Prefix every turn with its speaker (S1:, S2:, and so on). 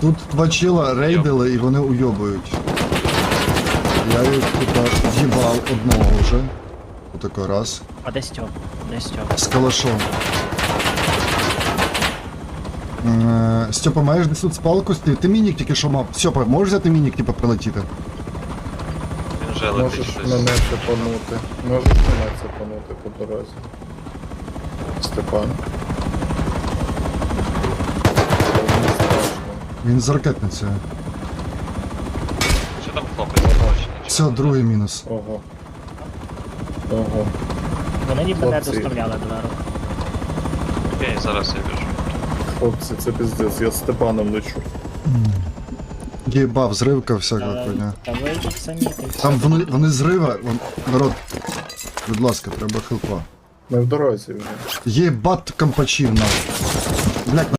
S1: Тут два чела рейдили і вони уйобують. Я їх типа з'їбав одного вже. Отако раз.
S2: А де Стьоп? Де Стьоп?
S1: З калашом. Степа, маєш десь тут спалку? Ти мінік тільки що мав. Степа, можеш взяти мінік, типа, прилетіти?
S3: Він вже летить
S4: Можеш
S3: щось.
S4: мене цепанути. Можеш мене цепанути по дорозі. Степан. Мені страшно.
S1: Він з ракетницею.
S3: Що там хлопець побачить?
S1: Все, другий мінус.
S4: Ого. Ого.
S2: Вони ніби не
S4: Хлопці.
S2: доставляли дверу.
S3: Окей, зараз я біжу.
S4: Хлопці, це піздець, я з Степаном лечу.
S1: Єбав, зривка всяка хуйня.
S2: Та ви їх самі ти.
S1: Там вони зрива. Народ, будь ласка, треба хелпа.
S4: Ми в дорозі вже.
S1: Єбат компачів нам. Блять,